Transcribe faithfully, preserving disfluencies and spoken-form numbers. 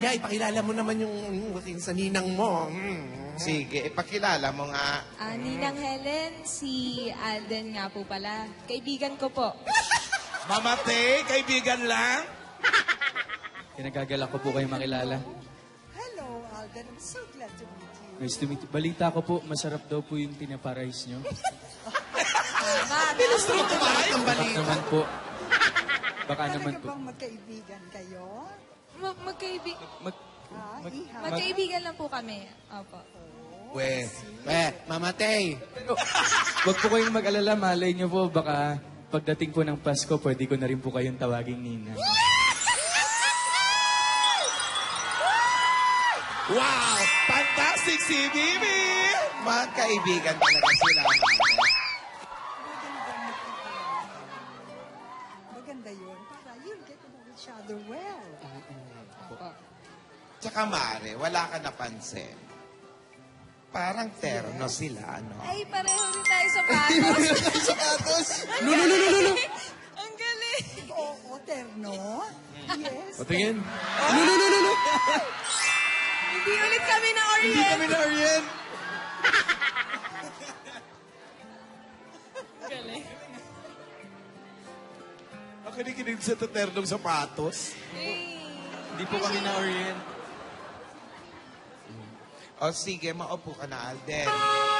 Yeah, ipakilala mo naman yung, yung sa ninang mo. Mm. Sige, ipakilala mo nga. Ah, Ninang Helen, si Alden nga po pala. Kaibigan ko po. Mamatay, kaibigan lang. Kinagagala ko po kayo makilala. Hello, Alden. I'm so glad to meet you. Nice to meet you. Balita ko po, masarap daw po yung tinapa-rice nyo. Pinustrong tumahat ng Baka balita. naman po. Baka Talaga naman po. bang magkaibigan kayo? Ma- magkaibi- Mag, Ah, mag, iha. magkaibigan lang po kami. Opo. We, we, mamatay. Pero, wag po kayong mag-alala, malay nyo po, baka pagdating po ng Pasko, pwede ko na rin po kayong tawaging Nina. Wow! Fantastic si Bibi! Magkaibigan talaga sila. Maganda yun. Para you'll get to know each other well. Tsaka Mare, wala ka napansin. Parang terno sila, ano? Ay, pareho rin tayo sa patos. Sapatos! No, no, no, no, no, no. Ang galing. Oo, terno. Yes. Patingin. No, no, no, no, no. Hindi ulit kami na Orient. Hindi kami na Orient. Galing. Ang kinikinig sa taternong sapatos. Hey. Hindi po kami na Orient. O sige, maupo ka na, Alden.